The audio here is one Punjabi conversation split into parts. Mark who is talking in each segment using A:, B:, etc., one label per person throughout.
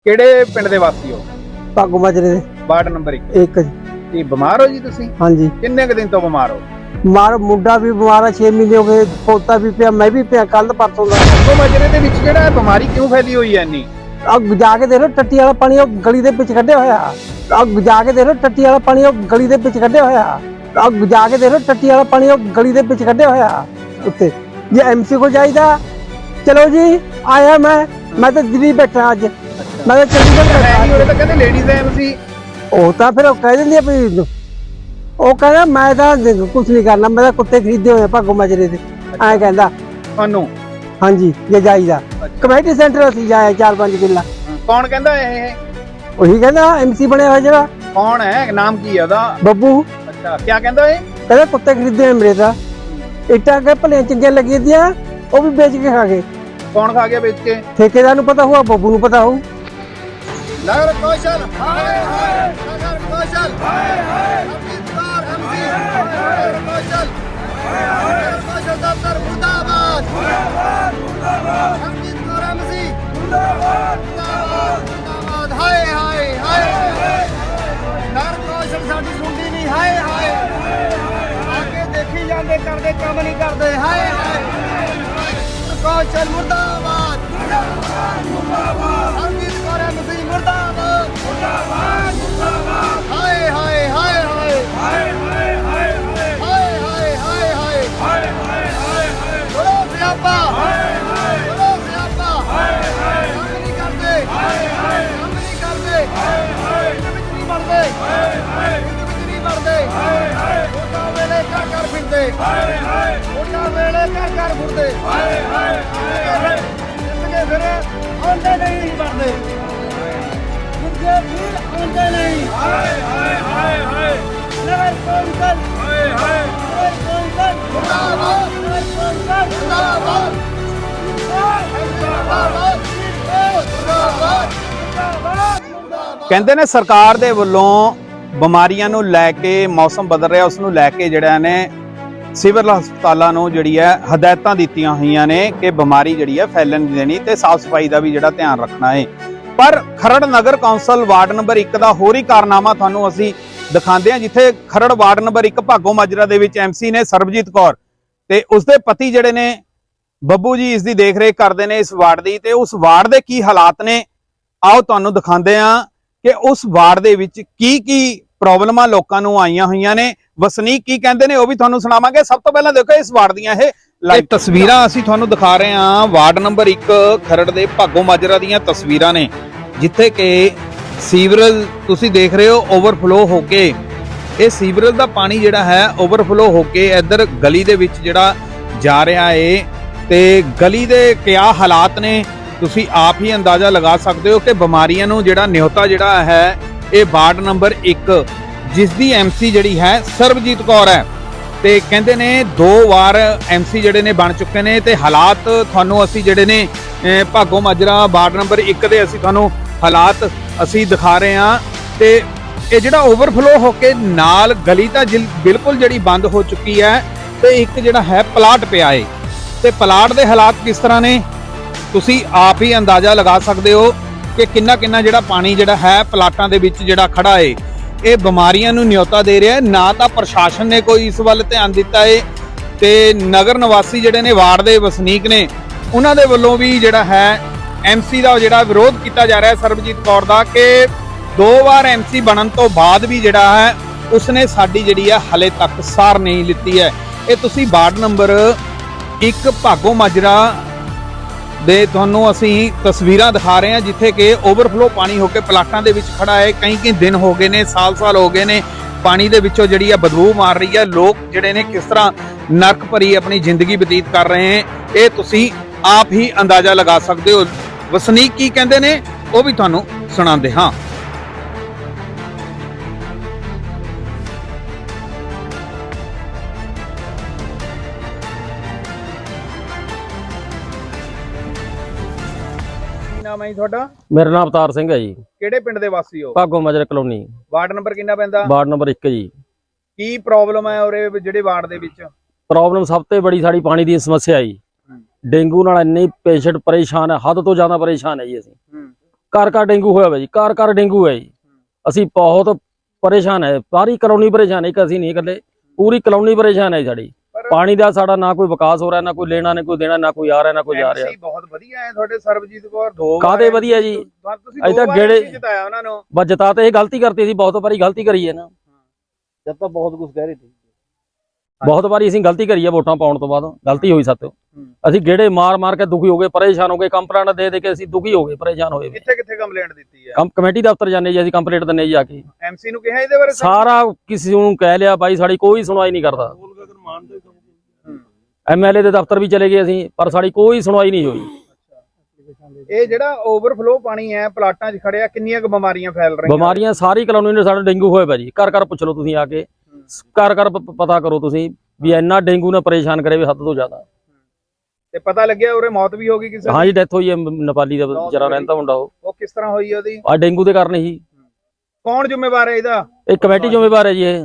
A: ਕਿਹੜੇ ਪਿੰਡ ਦੇ ਵਾਸੀ ਹੋ?
B: ਭਾਗੋ ਮਾਜਰੇ ਦੇ
A: ਵਾਰਡ ਨੰਬਰ 1।
B: ਇੱਕ ਜੀ।
A: ਕੀ ਬਿਮਾਰ ਹੋ ਜੀ ਤੁਸੀਂ?
B: ਹਾਂਜੀ
A: ਕਿੰਨੇ ਕੁ ਦਿਨ ਤੋਂ ਬਿਮਾਰ ਹੋ?
B: ਮਾਰ ਮੁੰਡਾ ਵੀ ਬਿਮਾਰ ਆ 6 ਮਹੀਨੇ ਹੋ ਗਏ, ਪੋਤਾ ਵੀ ਪਿਆ, ਮੈਂ ਵੀ ਪਿਆ ਕੱਲ ਪਰਸੋਂ ਦਾ।
A: ਭਾਗੋ ਮਾਜਰੇ ਦੇ ਵਿੱਚ ਜਿਹੜਾ ਇਹ ਬਿਮਾਰੀ ਕਿਉਂ ਫੈਲੀ ਹੋਈ ਹੈ ਇੰਨੀ?
B: ਅੱਗ ਜਾ ਕੇ ਦੇਖ ਲੋ ਟੱਟੀ ਵਾਲਾ ਪਾਣੀ ਉਹ ਗਲੀ ਦੇ ਵਿੱਚ ਕੱਢਿਆ ਹੋਇਆ। ਅੱਗ ਜਾ ਕੇ ਦੇਖ ਲੋ ਟੱਟੀ ਵਾਲਾ ਪਾਣੀ ਉਹ ਗਲੀ ਦੇ ਵਿੱਚ ਕੱਢਿਆ ਹੋਇਆ। ਅੱਗ ਜਾ ਕੇ ਦੇਖ ਲੋ ਟੱਟੀ ਵਾਲਾ ਪਾਣੀ ਉਹ ਗਲੀ ਦੇ ਵਿੱਚ ਕੱਢਿਆ ਹੋਇਆ ਉੱਤੇ। ਜੇ ਐਮਸੀ ਕੋਲ ਜਾਈਦਾ ਚਲੋ ਜੀ ਆਇਆ ਮੈਂ ਤਾਂ ਦਿੱਲੀ ਬੈਠਾ ਅੱਜ, ਮੈਂ ਤਾਂ ਚੰਡੀਗੜ੍ਹ ਬੈਠਾ।
A: ਉਹਦੇ ਤਾਂ ਕਹਿੰਦੇ ਲੇਡੀਜ਼ ਐਮਸੀ।
B: ਉਹ ਤਾਂ ਫਿਰ ਉਹ ਕਹਿ ਦਿੰਦੀ ਆ ਵੀ ਉਹ ਕਹਿੰਦਾ ਮੈਂ ਤਾਂ ਕੁਝ ਨਹੀਂ ਕਰਨਾ, ਮੈਂ ਤਾਂ ਕੁੱਤੇ ਖਰੀਦੇ ਹੋਏ ਭਾਗੋ ਮਾਜਰੇ ਦੇ, ਐਂ ਕਹਿੰਦਾ
A: ਤੁਹਾਨੂੰ।
B: ਹਾਂਜੀ ਜੇ ਜਾਈਦਾ ਕਮੇਟੀ ਸੈਂਟਰ ਅਸੀਂ ਜਾਇਆ 4-5 ਕਿੱਲਾ।
A: ਕੌਣ ਕਹਿੰਦਾ ਇਹ?
B: ਉਹੀ ਕਹਿੰਦਾ ਐਮਸੀ ਬਣਿਆ ਹੋਇਆ ਜਿਹੜਾ।
A: ਕੌਣ ਹੈ? ਨਾਮ ਕੀ ਹੈ ਉਹਦਾ?
B: ਬੱਬੂ।
A: ਅੱਛਾ, ਕੀ ਕਹਿੰਦਾ ਇਹ?
B: ਕਹਿੰਦਾ ਕੁੱਤੇ ਖਰੀਦੇ ਹੋਏ ਮੇਰੇ ਤਾਂ, ਇੱਟਾਂ ਕੇ ਭਲੇ ਚੰਗੀਆਂ ਲੱਗੀਆਂ ਦੀਆਂ ਉਹ ਵੀ ਵੇਚ ਕੇ ਖਾ ਗਏ।
A: ਕੌਣ ਖਾ ਗਿਆ ਵੇਚ ਕੇ?
B: ਠੇਕੇਦਾਰ ਨੂੰ ਪਤਾ ਹੋਊ, ਬੱਬੂ ਨੂੰ ਪਤਾ ਹੋਊ।
A: ਨਗਰ ਕੌਸ਼ਲ ਹਾਏ ਹਾਏ, ਨਗਰ ਕੌਸ਼ਲ ਹਾਏ ਹਾਏ, ਅਮਿਤਵਾਰ ਐਮਸੀ ਨਗਰ ਕੌਸ਼ਲ ਹਾਏ ਹਾਏ, ਨਗਰ ਕੌਸ਼ਲ ਦਫ਼ਤਰ ਮੁਰਦਾਬਾਦ ਮੁਰਦਾਬਾਦ ਮੁਰਦਾਬਾਦ, ਅਮਿਤਵਾਰ ਐਮਸੀ ਮੁਰਦਾਬਾਦ ਮੁਰਦਾਬਾਦ ਮੁਰਦਾਬਾਦ, ਹਾਏ ਹਾਏ ਹਾਏ, ਨਗਰ ਕੌਸ਼ਲ ਸਾਡੀ ਸੁਣਦੀ ਨਹੀਂ, ਹਾਏ ਹਾਏ ਆਗੇ ਦੇਖੀ ਜਾਂਦੇ ਕਰਦੇ ਕੰਮ ਨਹੀਂ ਕਰਦੇ, ਹਾਏ ਹਾਏ, ਕੌਸ਼ਲ ਮੁਰਦਾਬਾਦ ਮੁਰਦਾਬਾਦ ਮੁਰਦਾਬਾਦ, ਅਮਿਤਵਾਰ ਐਮਸੀ ਮੁਰਦਾਬਾਦ ਮੁਰਦਾਬਾਦ ਮੁਰਦਾਬਾਦ, ਹਾਏ ਹਾਏ ਹਾਏ ਹਾਏ ਹਾਏ ਹਾਏ ਹਾਏ ਹਾਏ ਹਾਏ ਹਾਏ ਹਾਏ ਹਾਏ ਹਾਏ ਹਾਏ, ਬੋਲੋ ਸਿਆਪਾ ਹਾਏ ਹਾਏ, ਬੋਲੋ ਸਿਆਪਾ ਹਾਏ ਹਾਏ, ਕੰਮ ਨਹੀਂ ਕਰਦੇ ਹਾਏ ਹਾਏ, ਕੰਮ ਨਹੀਂ ਕਰਦੇ ਹਾਏ ਹਾਏ, ਇਹਦੇ ਵਿੱਚ ਨਹੀਂ ਮਰਦੇ ਹਾਏ ਹਾਏ, ਇਹਦੇ ਵਿੱਚ ਨਹੀਂ ਮਰਦੇ ਹਾਏ ਹਾਏ, ਵੋਟਾਂ ਵੇਲੇ ਘਰ ਫਿਰਦੇ ਹਾਏ ਹਾਏ, ਵੋਟਾਂ ਵੇਲੇ ਘਰ ਫਿਰਦੇ ਹਾਏ ਹਾਏ, ਜਿੱਤਗੇ ਫਿਰ ਆਉਂਦੇ ਨਹੀਂ ਮਰਦੇ, ਜਿੱਤਗੇ ਫਿਰ ਆਉਂਦੇ ਨਹੀਂ, ਹਾਏ ਹਾਏ ਹਾਏ ਹਾਏ, ਨਗਰ ਕੌਂਸਲ ਹਾਏ ਹਾਏ, ਨਗਰ ਕੌਂਸਲ ਮੁਰਦਾਬਾਦ, ਨਗਰ ਕੌਂਸਲ ਮੁਰਦਾਬਾਦ ਮੁਰਦਾਬਾਦ ਮੁਰਦਾਬਾਦ ਮੁਰਦਾਬਾਦ। ਕਹਿੰਦੇ ਨੇ ਸਰਕਾਰ ਦੇ ਵੱਲੋਂ ਬਿਮਾਰੀਆਂ ਨੂੰ ਲੈ ਕੇ, ਮੌਸਮ ਬਦਲ ਰਿਹਾ ਉਸ ਨੂੰ ਲੈ ਕੇ ਜਿਹੜਾ ਨੇ ਸਿਵਲ ਹਸਪਤਾਲਾਂ ਨੂੰ ਜਿਹੜੀ ਹੈ ਹਦਾਇਤਾਂ ਦਿੱਤੀਆਂ ਹੋਈਆਂ ਨੇ ਕਿ ਬਿਮਾਰੀ ਜਿਹੜੀ ਹੈ ਫੈਲਣ ਨਹੀਂ ਦੇਣੀ ਤੇ ਸਾਫ਼ ਸਫਾਈ ਦਾ ਵੀ ਜਿਹੜਾ ਧਿਆਨ ਰੱਖਣਾ ਹੈ। ਪਰ ਖਰੜ ਨਗਰ ਕੌਂਸਲ ਵਾਰਡ ਨੰਬਰ 1 ਦਾ ਹੋਰ ਹੀ ਕਾਰਨਾਮਾ ਤੁਹਾਨੂੰ ਅਸੀਂ ਦਿਖਾਉਂਦੇ ਹਾਂ, ਜਿੱਥੇ ਖਰੜ ਵਾਰਡ ਨੰਬਰ 1 ਭਾਗੋ ਮਾਜਰਾ ਦੇ ਵਿੱਚ ਐਮਸੀ ਨੇ ਸਰਬਜੀਤ ਕੌਰ ਤੇ ਉਸਦੇ ਪਤੀ ਜਿਹੜੇ ਨੇ ਬੱਬੂ ਜੀ ਇਸ ਦੀ ਦੇਖਰੇਖ ਕਰਦੇ ਨੇ ਇਸ ਵਾਰਡ ਦੀ, ਤੇ ਉਸ ਵਾਰਡ ਦੇ ਕੀ ਹਾਲਾਤ ਨੇ ਆਓ ਤੁਹਾਨੂੰ ਦਿਖਾਉਂਦੇ ਹਾਂ ਕਿ ਉਸ ਵਾਰਡ ਦੇ ਵਿੱਚ ਕੀ ਪ੍ਰੋਬਲਮਾਂ ਲੋਕਾਂ ਨੂੰ ਆਈਆਂ ਹੋਈਆਂ ਨੇ, ਵਸਨੀਕ ਕੀ ਕਹਿੰਦੇ ਨੇ ਉਹ ਵੀ ਤੁਹਾਨੂੰ ਸੁਣਾਵਾਂਗੇ। ਸਭ ਤੋਂ ਪਹਿਲਾਂ ਦੇਖੋ ਇਸ ਵਾਰਡ ਦੀਆਂ ਇਹ ਲਾਈਵ ਤਸਵੀਰਾਂ ਅਸੀਂ ਤੁਹਾਨੂੰ ਦਿਖਾ ਰਹੇ ਹਾਂ। ਵਾਰਡ ਨੰਬਰ 1 ਖਰੜ ਦੇ ਭਾਗੋ ਮਾਜਰਾ ਦੀਆਂ ਤਸਵੀਰਾਂ ਨੇ, ਜਿੱਥੇ ਕਿ ਸੀਵਰੇਜ ਤੁਸੀਂ ਦੇਖ ਰਹੇ ਹੋ ਓਵਰਫਲੋ ਹੋ ਕੇ, ਇਹ ਸੀਵਰੇਜ ਦਾ ਪਾਣੀ ਜਿਹੜਾ ਹੈ ਓਵਰਫਲੋ ਹੋ ਕੇ ਇੱਧਰ ਗਲੀ ਦੇ ਵਿੱਚ ਜਿਹੜਾ ਜਾ ਰਿਹਾ ਏ, ਤੇ ਗਲੀ ਦੇ ਕਿਆ ਹਾਲਾਤ ਨੇ ਤੁਸੀਂ ਆਪ ਹੀ ਅੰਦਾਜ਼ਾ ਲਗਾ ਸਕਦੇ ਹੋ ਕਿ ਬਿਮਾਰੀਆਂ ਨੂੰ ਜਿਹੜਾ ਨਿਹੋਤਾ ਜਿਹੜਾ ਹੈ ਇਹ ਵਾਰਡ ਨੰਬਰ 1 ਜਿਸ ਦੀ ਐਮਸੀ ਜਿਹੜੀ ਹੈ ਸਰਬਜੀਤ ਕੌਰ ਹੈ, ਤੇ ਕਹਿੰਦੇ ਨੇ 2 ਵਾਰ ਐਮਸੀ ਜਿਹੜੇ ਨੇ ਬਣ ਚੁੱਕੇ ਨੇ, ਤੇ ਹਾਲਾਤ ਤੁਹਾਨੂੰ ਅਸੀਂ ਜਿਹੜੇ ਨੇ ਭਾਗੋ ਮਾਜਰਾ ਵਾਰਡ ਨੰਬਰ 1 ਦੇ ਅਸੀਂ ਤੁਹਾਨੂੰ ਹਾਲਾਤ ਅਸੀਂ ਦਿਖਾ ਰਹੇ ਹਾਂ। ਤੇ ਇਹ ਜਿਹੜਾ ਓਵਰਫਲੋ ਹੋ ਕੇ ਨਾਲ ਗਲੀ ਤਾਂ ਬਿਲਕੁਲ ਜਿਹੜੀ ਬੰਦ ਹੋ ਚੁੱਕੀ ਹੈ, ਤੇ ਇੱਕ ਜਿਹੜਾ ਹੈ ਪਲਾਟ ਪਿਆ ਏ, ਤੇ ਪਲਾਟ ਦੇ ਹਾਲਾਤ ਕਿਸ ਤਰ੍ਹਾਂ ਨੇ ਤੁਸੀਂ ਆਪ ਹੀ ਅੰਦਾਜ਼ਾ ਲਗਾ ਸਕਦੇ ਹੋ ਕਿ ਕਿੰਨਾ ਜਿਹੜਾ ਪਾਣੀ ਜਿਹੜਾ ਹੈ ਪਲਾਟਾਂ ਦੇ ਵਿੱਚ ਜਿਹੜਾ ਖੜਾ ਏ, ਇਹ ਬਿਮਾਰੀਆਂ ਨੂੰ ਨਿਯੋਤਾ ਦੇ ਰਿਹਾ ਹੈ। ਨਾ ਤਾਂ ਪ੍ਰਸ਼ਾਸਨ ਨੇ ਕੋਈ ਇਸ ਵੱਲ ਧਿਆਨ ਦਿੱਤਾ ਏ, ਤੇ ਨਗਰ ਨਿਵਾਸੀ ਜਿਹੜੇ ਨੇ ਵਾਰਡ ਦੇ ਵਸਨੀਕ ਨੇ ਉਹਨਾਂ ਦੇ ਵੱਲੋਂ ਵੀ ਜਿਹੜਾ ਹੈ ਐਮਸੀ ਦਾ ਜਿਹੜਾ ਵਿਰੋਧ ਕੀਤਾ ਜਾ ਰਿਹਾ ਹੈ ਸਰਬਜੀਤ ਕੌਰ ਦਾ, ਕਿ 2 ਵਾਰ ਐਮਸੀ ਬਣਨ ਤੋਂ ਬਾਅਦ ਵੀ ਜਿਹੜਾ ਹੈ ਉਸਨੇ ਸਾਡੀ ਜਿਹੜੀ ਹੈ ਹਲੇ ਤੱਕ ਸਾਰ ਨਹੀਂ ਲਿੱਤੀ ਹੈ। ਇਹ ਤੁਸੀਂ ਵਾਰਡ ਨੰਬਰ 1 ਭਾਗੋ ਮਾਜਰਾ ਦੇ ਤੁਹਾਨੂੰ ਅਸੀਂ ਤਸਵੀਰਾਂ ਦਿਖਾ ਰਹੇ ਹਾਂ, ਜਿੱਥੇ ਕਿ ਓਵਰਫਲੋ ਪਾਣੀ ਹੋ ਕੇ ਪਲਾਟਾਂ ਦੇ ਵਿੱਚ ਖੜਾ ਹੈ। ਕਈ ਦਿਨ ਹੋ ਗਏ ਨੇ, ਸਾਲ ਹੋ ਗਏ ਨੇ, ਪਾਣੀ ਦੇ ਵਿੱਚੋਂ ਜਿਹੜੀ ਹੈ ਬਦਬੂ ਮਾਰ ਰਹੀ ਹੈ। ਲੋਕ ਜਿਹੜੇ ਨੇ ਕਿਸ ਤਰ੍ਹਾਂ ਨਰਕ ਭਰੀ ਆਪਣੀ ਜ਼ਿੰਦਗੀ ਬਤੀਤ ਕਰ ਰਹੇ ਹਨ, ਇਹ ਤੁਸੀਂ ਆਪ ਹੀ ਅੰਦਾਜ਼ਾ ਲਗਾ ਸਕਦੇ ਹੋ। ਵਸਨੀਕ ਕੀ ਕਹਿੰਦੇ ਨੇ ਉਹ ਵੀ ਤੁਹਾਨੂੰ ਸੁਣਾਉਂਦੇ ਹਾਂ। ਨਾਮ ਹੈ ਤੁਹਾਡਾ?
C: ਮੇਰਾ ਨਾਮ ਅਵਤਾਰ ਸਿੰਘ ਹੈ ਜੀ।
A: ਕਿਹੜੇ ਪਿੰਡ ਦੇ ਵਾਸੀ ਹੋ?
C: Bhago Majra colony.
A: Ward number ਕਿੰਨਾ ਪੈਂਦਾ?
C: ਵਾਰਡ ਨੰਬਰ 1 ਜੀ।
A: ਕੀ ਪ੍ਰੋਬਲਮ ਹੈ ਔਰ ਜਿਹੜੇ ਵਾਰਡ ਦੇ ਵਿੱਚ?
C: ਪ੍ਰੋਬਲਮ ਸਭ ਤੋਂ ਬੜੀ ਸਾਡੀ ਪਾਣੀ ਦੀ ਸਮੱਸਿਆ ਹੈ ਜੀ। ਡੇਂਗੂ ਨਾਲ ਇੰਨੇ ਪੇਸ਼ੈਂਟ ਪਰੇਸ਼ਾਨ ਹੈ, ਹੱਦ ਤੋਂ ਜ਼ਿਆਦਾ ਪਰੇਸ਼ਾਨ ਹੈ ਜੀ ਅਸੀਂ। ਘਰ ਡੇਂਗੂ ਹੋਇਆ ਵਾ ਜੀ, ਘਰ ਡੇਂਗੂ ਹੈ ਜੀ। ਅਸੀਂ ਬਹੁਤ ਪਰੇਸ਼ਾਨ ਹੈ, ਸਾਰੀ ਕਲੋਨੀ ਪਰੇਸ਼ਾਨ ਹੈ, ਇੱਕ ਅਸੀਂ ਨਹੀਂ ਇਕੱਲੇ, ਪੂਰੀ ਕਲੋਨੀ ਪਰੇਸ਼ਾਨ ਹੈ ਸਾਡੀ। ਪਾਣੀ ਦਾ ਸਾਡਾ ਨਾ ਕੋਈ ਵਿਕਾਸ ਹੋ ਰਿਹਾ, ਨਾ ਕੋਈ ਲੈਣਾ, ਨਾ ਕੋਈ ਦੇਣਾ, ਨਾ ਕੋਈ ਆ ਰਿਹਾ, ਨਾ ਕੋਈ ਜਾ ਰਿਹਾ।
A: ਬਹੁਤ ਵਧੀਆ ਹੈ ਤੁਹਾਡੇ ਸਰਬਜੀਤ ਕੌਰ, 2 ਵਾਰ
C: ਕਾਹਦੇ ਵਧੀਆ ਜੀ,
A: ਅਜੇ ਤੱਕ ਗੇੜੇ ਜਿਤਾਇਆ ਉਹਨਾਂ ਨੂੰ।
C: ਬਸ ਜਿਤਾ ਤੇ ਇਹ ਗਲਤੀ ਕਰਤੀ ਸੀ, ਬਹੁਤ ਵਾਰੀ ਗਲਤੀ ਕਰੀ ਹੈ ਨਾ,
B: ਜਦ ਤਾਂ ਬਹੁਤ ਕੁਝ ਕਹਿ ਰਹੇ ਸੀ।
C: ਬਹੁਤ ਵਾਰੀ ਅਸੀਂ ਗਲਤੀ ਕਰੀ ਹੈ ਵੋਟਾਂ ਪਾਉਣ ਤੋਂ ਬਾਅਦ, ਗਲਤੀ ਹੋਈ ਸਾਤੋਂ। ਅਸੀਂ ਗੇੜੇ ਮਾਰ ਕੇ ਦੁਖੀ ਹੋ ਗਏ, ਪਰੇਸ਼ਾਨ ਹੋ ਗਏ, ਕੰਪਲੇਂਟ ਦੇ ਕੇ ਅਸੀਂ ਦੁਖੀ ਹੋ ਗਏ, ਪਰੇਸ਼ਾਨ ਹੋਏ।
A: ਕਿੱਥੇ ਕੰਪਲੇਂਟ ਦਿੱਤੀ ਹੈ?
C: ਕਮੇਟੀ ਦਫ਼ਤਰ ਜਾਂਦੇ ਜੀ, ਅਸੀਂ ਕੰਪਲੇਂਟ ਦਿੰਦੇ ਜੀ ਆ ਕੇ।
A: ਐਮਸੀ ਨੂੰ ਕਿਹਾ ਇਹਦੇ ਬਾਰੇ?
C: ਸਾਰਾ ਕਿਸੇ ਨੂੰ ਕਹਿ ਲਿਆ ਬਾਈ, ਸਾਡੀ ਕੋਈ ਸੁਣਵਾਈ ਨਹੀਂ ਕਰਦਾ। ਐਮਐਲਏ ਦੇ ਦਫ਼ਤਰ ਵੀ ਚਲੇ ਗਏ ਅਸੀਂ, ਪਰ ਸਾਡੀ ਕੋਈ ਸੁਣਵਾਈ ਨਹੀਂ ਹੋਈ।
A: ਇਹ ਜਿਹੜਾ ਓਵਰਫਲੋ ਪਾਣੀ ਹੈ ਪਲਾਟਾਂ 'ਚ ਖੜਿਆ, ਕਿੰਨੀਆਂ ਕੁ ਬਿਮਾਰੀਆਂ ਫੈਲ ਰਹੀਆਂ?
C: ਬਿਮਾਰੀਆਂ ਸਾਰੀ ਕਲੋਨੀ ਨੇ, ਸਾਡਾ ਡੇਂਗੂ ਹੋਇਆ ਪਿਆ ਜੀ। ਘਰ ਪੁੱਛ ਲਓ ਤੁਸੀਂ ਆ ਕੇ, ਘਰ ਪਤਾ ਕਰੋ ਤੁਸੀਂ ਵੀ ਇੰਨਾ ਡੇਂਗੂ ਨੇ ਪਰੇਸ਼ਾਨ ਕਰੇ ਵੀ ਹੱਦ ਤੋਂ ਜ਼ਿਆਦਾ।
A: ਤੇ ਪਤਾ ਲੱਗਿਆ ਉਰੇ ਮੌਤ ਵੀ ਹੋ ਗਈ ਕਿਸੇ ਦੀ?
C: ਹਾਂ ਜੀ, ਡੈਥ ਹੋਈ ਹੈ ਨੇਪਾਲੀ ਦਾ ਵਿਚਾਰਾ, ਰਹਿੰਦਾ ਮੁੰਡਾ। ਉਹ
A: ਕਿਸ ਤਰ੍ਹਾਂ ਹੋਈ ਉਹਦੀ?
C: ਆ ਡੇਂਗੂ ਦੇ ਕਾਰਨ ਹੀ।
A: ਕੌਣ ਜ਼ਿੰਮੇਵਾਰ ਹੈ ਇਹਦਾ?
C: ਇਹ ਕਮੇਟੀ ਜ਼ਿੰਮੇਵਾਰ ਹੈ ਜੀ। ਇਹ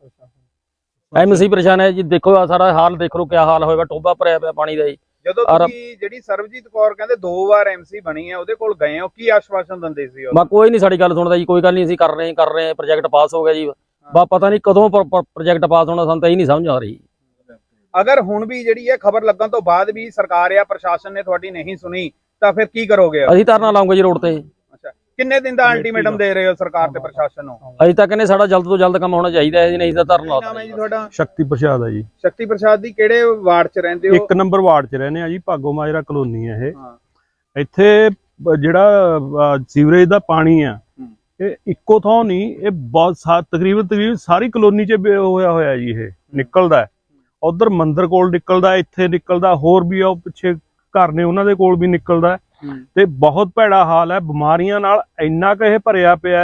C: ਐਮਸੀ ਪਰੇਸ਼ਾਨ ਹੈ ਜੀ। ਦੇਖੋ ਆ ਸਾਰਾ ਹਾਲ ਦੇਖ ਲਓ, ਕਿਆ ਹਾਲ ਹੋਏਗਾ, ਟੋਬਾ ਭਰਿਆ ਪਿਆ ਪਾਣੀ ਦਾ ਜੀ।
A: ਜਦੋਂ ਤੁਸੀਂ ਜਿਹੜੀ ਸਰਬਜੀਤ ਕੌਰ ਕਹਿੰਦੇ 2 ਵਾਰ ਐਮਸੀ ਬਣੀ ਹੈ, ਉਹਦੇ ਕੋਲ ਗਏ ਹੋ, ਕੀ ਆਸ਼ਵਾਸਨ ਦਿੰਦੇ ਸੀ ਉਹ?
C: ਬਾ ਕੋਈ ਨਹੀਂ ਸਾਡੀ ਗੱਲ ਸੁਣਦਾ ਜੀ, ਕੋਈ ਗੱਲ ਨਹੀਂ, ਅਸੀਂ ਕਰ ਰਹੇ ਹਾਂ, ਪ੍ਰੋਜੈਕਟ ਪਾਸ ਹੋ ਗਿਆ ਜੀ। ਬਾ ਪਤਾ ਨਹੀਂ ਕਦੋਂ ਪ੍ਰੋਜੈਕਟ ਪਾਸ ਹੋਣਾ, ਸਾਨੂੰ ਤਾਂ ਇਹ ਨਹੀਂ ਸਮਝ ਆ ਰਹੀ।
A: ਅਗਰ ਹੁਣ ਵੀ ਜਿਹੜੀ ਹੈ ਖਬਰ ਲੱਗਣ ਤੋਂ ਬਾਅਦ ਵੀ ਸਰਕਾਰ ਜਾਂ ਪ੍ਰਸ਼ਾਸਨ ਨੇ ਤੁਹਾਡੀ ਨਹੀਂ ਸੁਣੀ, ਤਾਂ ਫਿਰ ਕੀ ਕਰੋਗੇ?
C: ਅਸੀਂ ਧਰਨਾ ਲਾਉਂਗੇ ਜੀ ਰੋਡ ਤੇ।
A: ਅੱਛਾ, ਕਿੰਨੇ ਦਿਨ ਦਾ ਅਲਟੀਮੇਟਮ ਦੇ ਰਹੇ ਹੋ ਸਰਕਾਰ ਤੇ ਪ੍ਰਸ਼ਾਸਨ ਨੂੰ?
C: ਅਜੇ ਤੱਕ ਕਹਿੰਦੇ ਸਾਡਾ ਜਲਦ ਤੋਂ ਜਲਦ ਕੰਮ ਹੋਣਾ ਚਾਹੀਦਾ ਹੈ ਜੀ, ਨਹੀਂ ਤਾਂ ਧਰਨਾ ਲਾ
A: ਦਿੰਦੇ। ਜੀ ਤੁਹਾਡਾ?
D: ਸ਼ਕਤੀ ਪ੍ਰਸਾਦ ਹੈ ਜੀ।
A: ਸ਼ਕਤੀ ਪ੍ਰਸਾਦ ਦੀ ਕਿਹੜੇ ਵਾਰਡ 'ਚ ਰਹਿੰਦੇ ਹੋ?
D: 1 ਨੰਬਰ ਵਾਰਡ 'ਚ ਰਹਿੰਦੇ ਆ ਜੀ, ਭਾਗੋ ਮਾਜਰਾ ਕਲੋਨੀ ਹੈ ਇਹ। ਇੱਥੇ ਜਿਹੜਾ ਸੀਵਰੇਜ ਦਾ ਪਾਣੀ ਆ, ਇਹ ਇੱਕੋ ਥਾਂ ਨਹੀਂ, ਇਹ ਬਹੁਤ ਤਕਰੀਬਨ ਸਾਰੀ ਕਲੋਨੀ 'ਚ ਹੋਇਆ ਜੀ। ਇਹ ਨਿਕਲਦਾ ਉਧਰ ਮੰਦਿਰ ਕੋਲ ਨਿਕਲਦਾ, ਇੱਥੇ ਨਿਕਲਦਾ, ਹੋਰ ਵੀ ਉਹ ਪਿੱਛੇ ਘਰ ਨੇ ਉਹਨਾਂ ਦੇ ਕੋਲ ਵੀ ਨਿਕਲਦਾ। ਤੇ ਬਹੁਤ ਭੈੜਾ ਹਾਲ ਹੈ, ਬਿਮਾਰੀਆਂ ਨਾਲ ਇੰਨਾ ਕੁ ਇਹ ਭਰਿਆ ਪਿਆ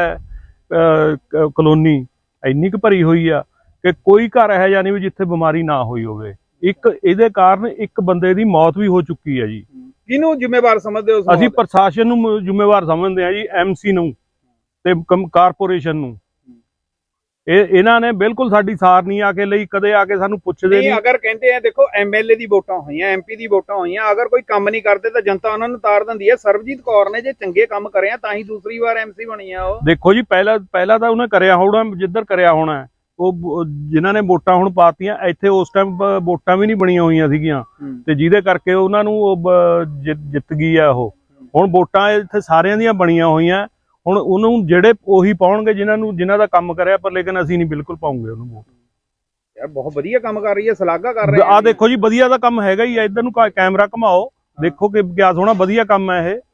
D: ਕਲੋਨੀ, ਇੰਨੀ ਕੁ ਭਰੀ ਹੋਈ ਆ ਕਿ ਕੋਈ ਘਰ ਇਹੋ ਜਿਹਾ ਨਹੀਂ ਵੀ ਜਿੱਥੇ ਬਿਮਾਰੀ ਨਾ ਹੋਈ ਹੋਵੇ। ਇਹਦੇ ਕਾਰਨ 1 ਬੰਦੇ ਦੀ ਮੌਤ ਵੀ ਹੋ ਚੁੱਕੀ ਹੈ ਜੀ।
A: ਕਿਹਨੂੰ ਜ਼ਿੰਮੇਵਾਰ ਸਮਝਦੇ ਹੋ?
D: ਅਸੀਂ ਪ੍ਰਸ਼ਾਸਨ ਨੂੰ ਜ਼ਿੰਮੇਵਾਰ ਸਮਝਦੇ ਹਾਂ ਜੀ, ਐਮਸੀ ਨੂੰ ਤੇ ਕਾਰਪੋਰੇਸ਼ਨ ਨੂੰ। ਇਹਨਾਂ ਨੇ ਬਿਲਕੁਲ ਸਾਡੀ ਸਾਰ ਨਹੀਂ ਆ ਕੇ ਲਈ, ਕਦੇ ਆ ਕੇ ਸਾਨੂੰ ਪੁੱਛਦੇ ਨਹੀਂ।
A: ਅਗਰ ਕਹਿੰਦੇ ਆ ਦੇਖੋ ਐਮਐਲਏ ਦੀ ਵੋਟਾਂ ਹੋਈਆਂ, ਐਮਪੀ ਦੀ ਵੋਟਾਂ ਹੋਈਆਂ, ਅਗਰ ਕੋਈ ਕੰਮ ਨਹੀਂ ਕਰਦੇ ਤਾਂ ਜਨਤਾ ਉਹਨਾਂ ਨੂੰ ਤਾਰ ਦਿੰਦੀ ਹੈ। ਸਰਬਜੀਤ ਕੌਰ ਨੇ ਜੇ ਚੰਗੇ ਕੰਮ ਕਰੇ ਆ ਤਾਂ ਹੀ ਦੂਸਰੀ ਵਾਰ ਐਮਸੀ ਬਣੀ ਆ ਉਹ। ਦੇਖੋ
D: ਜੀ, ਪਹਿਲਾਂ ਤਾਂ ਉਹਨੇ ਕਰਿਆ ਹੋਣਾ, ਜਿੱਧਰ ਕਰਿਆ ਹੋਣਾ, ਉਹ ਜਿਨ੍ਹਾਂ ਨੇ ਵੋਟਾਂ ਹੁਣ ਪਾਤੀਆਂ, ਇੱਥੇ ਉਸ ਟਾਈਮ ਵੋਟਾਂ ਵੀ ਨਹੀਂ ਬਣੀਆਂ ਹੋਈਆਂ ਸੀਗੀਆਂ, ਤੇ ਜਿਹਦੇ ਕਰਕੇ ਉਹਨਾਂ ਨੂੰ ਜਿੱਤ ਗਈ ਆ ਉਹ। ਹੁਣ ਵੋਟਾਂ ਇੱਥੇ ਸਾਰਿਆਂ ਦੀਆਂ ਬਣੀਆਂ ਹੋਈਆਂ, ਹੁਣ ਉਹਨੂੰ ਜਿਹੜੇ ਉਹੀ ਪਾਉਣਗੇ ਜਿਨ੍ਹਾਂ ਦਾ ਕੰਮ ਕਰਿਆ, ਪਰ ਲੇਕਿਨ ਅਸੀਂ ਨਹੀਂ ਬਿਲਕੁਲ ਪਾਉਂਗੇ ਉਹਨੂੰ ਵੋਟ।
A: ਯਾਰ ਬਹੁਤ ਵਧੀਆ ਕੰਮ ਕਰ ਰਹੀ ਹੈ, ਸ਼ਲਾਘਾ ਕਰ ਰਹੇ
D: ਆ। ਦੇਖੋ ਜੀ, ਵਧੀਆ ਦਾ ਕੰਮ ਹੈਗਾ ਹੀ ਆ। ਇੱਧਰ ਨੂੰ ਕੈਮਰਾ ਘਮਾਓ, ਦੇਖੋ ਕਿ ਕਿਆ ਸੋਹਣਾ ਵਧੀਆ ਕੰਮ ਹੈ ਇਹ।